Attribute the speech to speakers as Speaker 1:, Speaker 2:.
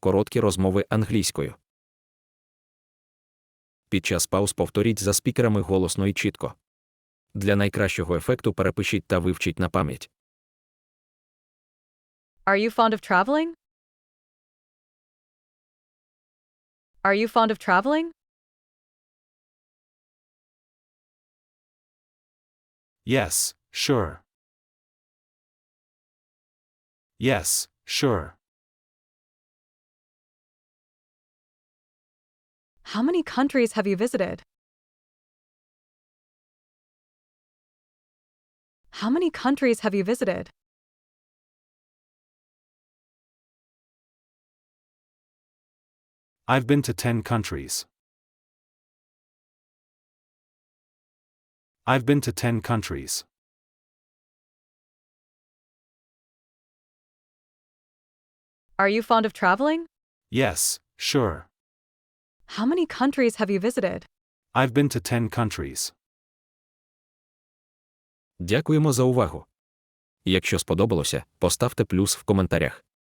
Speaker 1: Короткі розмови англійською. Під час пауз повторіть за спікерами голосно і чітко. Для найкращого ефекту перепишіть та вивчіть на пам'ять.
Speaker 2: Are you fond of traveling? Are you fond of traveling?
Speaker 3: Yes, sure. Yes, sure.
Speaker 2: How many countries have you visited? How many countries have you visited?
Speaker 3: I've been to 10 countries. I've been to 10 countries.
Speaker 2: Are you fond of traveling?
Speaker 3: Yes, sure.
Speaker 2: How many countries have you visited?
Speaker 3: I've been to 10 countries.
Speaker 1: Дякуємо за увагу. Якщо сподобалося, поставте плюс в коментарях.